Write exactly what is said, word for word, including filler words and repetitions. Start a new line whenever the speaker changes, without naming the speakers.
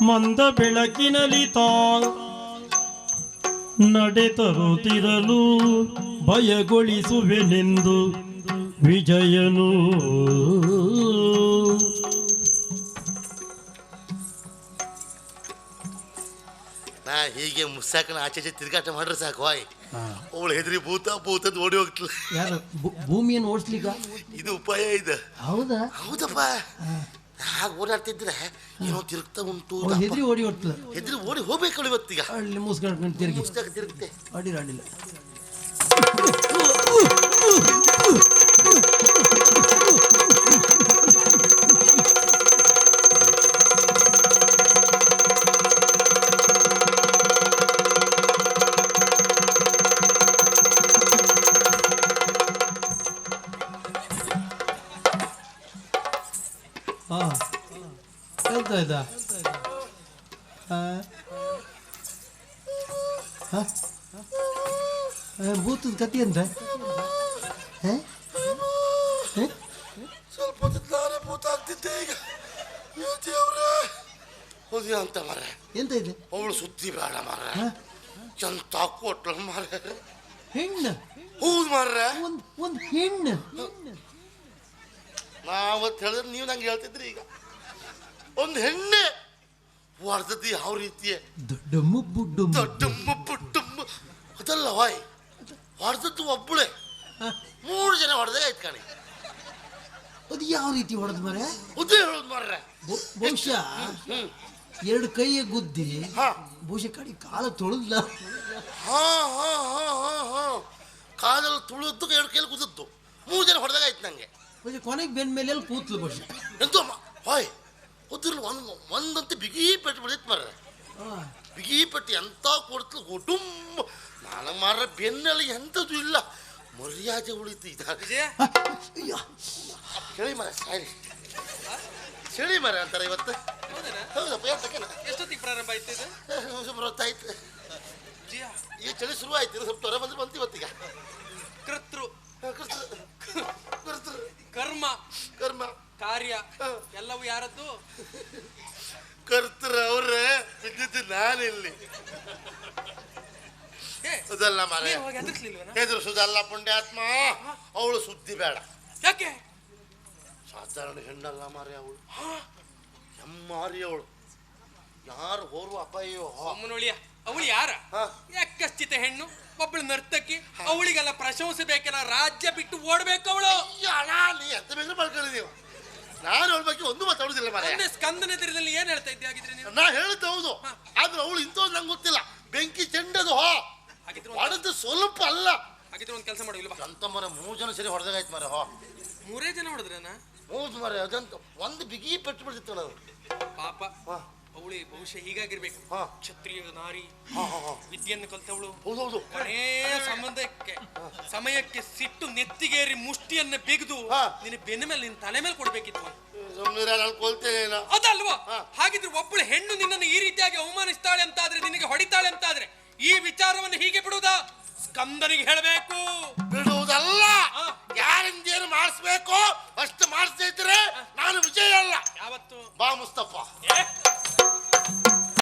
ಮಂದ ಬೆಳಕಿನಲ್ಲಿ ತಾ ನಡೆತರುತ್ತಿರಲು ಭಯಗೊಳಿಸುವೆನೆಂದು ವಿಜಯನು.
ನಾ ಹೀಗೆ ಮುಸ್ಸಾಕನ ಆಚೆ ತಿರುಗಾಟ ಮಾಡ್ರೆ ಸಾಕು ಹಾಯ್ ಅವಳು ಹೆದರಿ ಭೂತ ಭೂತದ್ ಓಡಿ ಹೋಗ್ತಲ್ಲ.
ಯಾರು ಭೂಮಿಯನ್ನು ಓಡಿಸ್ಲಿಕ್ಕ
ಇದು ಉಪಾಯ ಇದೆ.
ಹೌದಾ?
ಹೌದಪ್ಪ. ಹಾಗೆ ಓಡಾಡ್ತಿದ್ರೆ ಏನೋ ತಿರುಗ್ತಾ ಉಂಟು.
ಹೆದ್ರಿ ಓಡಿ ಹೋಗ್ತಲ್ಲ.
ಹೆದ್ರಿ ಓಡಿ ಹೋಗ್ಬೇಕು ಇವತ್ತೀಗ.
ಅಲ್ಲಿ ಮುಸ್ಕೊಂಡು ತಿರುಗಿ
ಮುಸ್ತಾಕ ತಿರುಗುತ್ತೆ.
ಅಡಿಲ್ಲ ಅಡಿಲ್ಲ. ಎಂತ ಆಯ್ತಾ? ಭೂತದ ಕತಿ ಅಂತ
ಸ್ವಲ್ಪ ಹೊತ್ತಿದ್ದಾರೆ ಭೂತ ಆಗ್ತಿದ್ದೆ ಈಗ. ಹೌದು ಅಂತ ಮರ.
ಎಂತ ಇದೆ?
ಅವಳು ಸುದ್ದಿ ಬೇಡ ಮರ. ಎಂತ ಕೊಟ್ಲ ಮರ.
ಹೆಣ್ಣು.
ಹೌದು ಮರ.
ಒಂದ್ ಒಂದ್ ಹೆಣ್ಣು.
ನಾವತ್ತು ಹೇಳಿದ್ರೆ ನೀವು ನಂಗೆ ಹೇಳ್ತಿದ್ರಿ. ಈಗ ಒಂದು ಹೆಣ್ಣೆ ಹೊಡೆದದ್ದು ಯಾವ ರೀತಿಯ
ದೊಡ್ಡಮ್ಮ ಬುಡ್ಡಮ್ಮ
ದೊಡ್ಡಮ್ಮ ಬುಡ್ಡಮ್ಮ ಅದಲ್ಲ ವಾಯ್ ಹೊಡೆದದ್ದು ಒಬ್ಬಳೆ ಮೂರು ಜನ ಹೊಡೆದಾಗ ಆಯ್ತು ಕಾಣಿ.
ಅದು ಯಾವ ರೀತಿ ಹೊಡೆದ್ ಮರ?
ಉದ್ದೇ ಹೇಳೋದು ಮಾರ್ರೆ.
ಬಹುಶಃ ಎರಡು ಕೈಯ ಗುದ್ದಿ ಬಹುಶಃ ಕಡೆ ಕಾಲ ತೊಳೆದ್ಲ.
ಹಾ ಹಾ ಹಾ ಹಾ ಹಾ ಕಾಲಲ್ಲಿ ತುಳಿದ್ದು ಎರಡು ಕೈಯಲ್ಲಿ ಗುದ್ದದ್ದು ಮೂರು ಜನ ಹೊಡೆದಾಗ ಆಯ್ತು ನಂಗೆ.
ಕೊನೆಗೆ ಬೆನ್ ಮೇಲೆ ಎಲ್ಲಿ ಕೂತ್ಲು ಬಹುಶಃ.
ಎಂತ ಹಾಯ್ ಉದ್ರಲ್ಲಿ ಒಂದು ಒಂದಂತೂ ಬಿಗಿ ಪೆಟ್ಟು ಬಿಡಿತ್ತು ಮಾರ್ರೆ. ಬಿಗಿ ಪೆಟ್ಟು ಎಂತ ಕೊಡ್ತಲು ಕುಟುಂಬ ನಾನು ಮಾರ್ರೆ ಬೆನ್ನಲ್ಲಿ ಎಂಥದ್ದು ಇಲ್ಲ ಮರ್ಯಾದೆ ಉಳಿತು. ಇದ ಚಳಿ ಮರ ಸಾರಿ ಚಳಿ ಮರ ಅಂತಾರೆ ಇವತ್ತು. ಹೌದಪ್ಪ
ಎಷ್ಟೊತ್ತಿಗೆ ಪ್ರಾರಂಭ ಆಯ್ತು?
ಸುಮಾರು ಹೊತ್ತಾಯ್ತು. ಈಗ ಚಳಿ ಶುರು ಆಯ್ತು. ಸ್ವಲ್ಪ ಹೊರ ಬಂದ್ರೆ ಬಂತು ಇವತ್ತೀಗ.
ಕರ್ತೃ
ಕರ್ತೃ
ಕರ್ಮ
ಕರ್ಮ
ಕಾರ್ಯ ಎಲ್ಲವೂ ಯಾರದ್ದು?
ಕರ್ತೃ ಅವ್ರೆ ಬಿದ್ದಿದ್ದು ನಾನಿಲ್ಲಿ. ಅದಲ್ಲ ಮರ ಹೆದರ್ಸುದಲ್ಲ ಪುಣ್ಯಾತ್ಮ. ಅವಳು ಸುದ್ದಿ ಬೇಡ.
ಯಾಕೆ?
ಸಾಧಾರಣ ಹೆಣ್ಣಲ್ಲ ಮಾರಿ ಅವಳು. ಹೆಮ್ಮಾರಿ ಅವಳು. ಯಾರು ಹೋರುವ ಅಪಾಯೋ
ಅಮ್ಮನೊಳಿಯ ಅವಳು ಯಾರ? ಯಾಕಶ್ಚಿತ ಹೆಣ್ಣು, ಒಬ್ಬಳು ನರ್ತಕಿ. ಅವಳಿಗೆಲ್ಲ ಪ್ರಶಂಸೆ ಬೇಕಲ್ಲ, ರಾಜ್ಯ ಬಿಟ್ಟು ಓಡ್ಬೇಕು ಅವಳು.
ನೀ ಎಂತ ಬೇಕಾದ್ರೆ ಮಾಡ್ಕೊಳ್ಳಿ ನೀವು. ನಾನು ಅವಳ ಬಗ್ಗೆ ಒಂದು ಮಾತಾಡುದಿಲ್ಲ ಮಾರ.
ಸ್ಕಂದನ ಎದುರದಲ್ಲಿ ಏನ್ ಹೇಳ್ತಾ ಇದ್ದೆ ಆಗಿದ್ರೆ ನೀವು?
ನಾ ಹೇಳಿದ್ದು ಹೌದು, ಆದ್ರೆ ಅವಳು ಇಂಥದ್ದು ನಂಗೆ ಗೊತ್ತಿಲ್ಲ. ಬೆಂಕಿ ಚೆಂಡದು ಹೋ ಹೊಡೆದು ಸ್ವಲ್ಪ ಅಲ್ಲ.
ಹಾಗಿದ್ರೆ ಒಂದು ಕೆಲಸ ಮಾಡಿಲ್ವಾ
ಅಂತ ಮರ ಮೂರು ಜನ ಸರಿ ಹೊಡೆದಾಗಾಯ್ತು ಮರ. ಹೋ
ಮೂರೇ ಜನ ಹೊಡೆದ್ರನ?
ಮೂರು ಮರ ಅದಂತ ಒಂದು ಬಿಗಿ ಪೆಟ್ಟು ಬಿಡ್ತಿತ್ತು ನಾವು.
ಪಾಪ ಅವಳು ಬಹುಶಃ ಹೀಗಾಗಿರ್ಬೇಕು. ಕ್ಷತ್ರಿಯ ನಾರಿ, ವಿದ್ಯೆಯನ್ನು ಕಲ್ತವಳು.
ಹೌದೌದು.
ಕೊನೇ ಸಂಬಂಧಕ್ಕೆ ಸಮಯಕ್ಕೆ ಸಿಟ್ಟು ನೆತ್ತಿಗೇರಿ ಮುಷ್ಟಿಯನ್ನ ಬಿಗಿದು ನಿನ್ನ ಬೆನ್ನ ಮೇಲೆ ನಿನ್ನ ತಲೆ ಮೇಲೆ ಕೊಡ್ಬೇಕಿತ್ತು. ಅದಲ್ವಾ? ಹಾಗಿದ್ರೆ ಒಬ್ಬಳು ಹೆಣ್ಣು ನಿನ್ನನ್ನು ಈ ರೀತಿಯಾಗಿ ಅವಮಾನಿಸ್ತಾಳೆ ಅಂತಾದ್ರೆ, ನಿನಗೆ ಹೊಡಿತಾಳೆ ಅಂತಾದ್ರೆ ಈ ವಿಚಾರವನ್ನು ಹೀಗೆ ಬಿಡುವುದಾ? ಸ್ಕಂದನಿಗೆ ಹೇಳಬೇಕು.
ಬಿಡುವುದಲ್ಲ, ಯಾರಿಂದ ಏನು ಮಾಡಿಸ್ಬೇಕು ಅಷ್ಟು ಮಾಡಿಸ್ತಾ ಇದ್ರೆ ನಾನು ವಿಜಯ ಅಲ್ಲ.
ಯಾವತ್ತು?
ಬಾ ಮುಸ್ತಫಾ.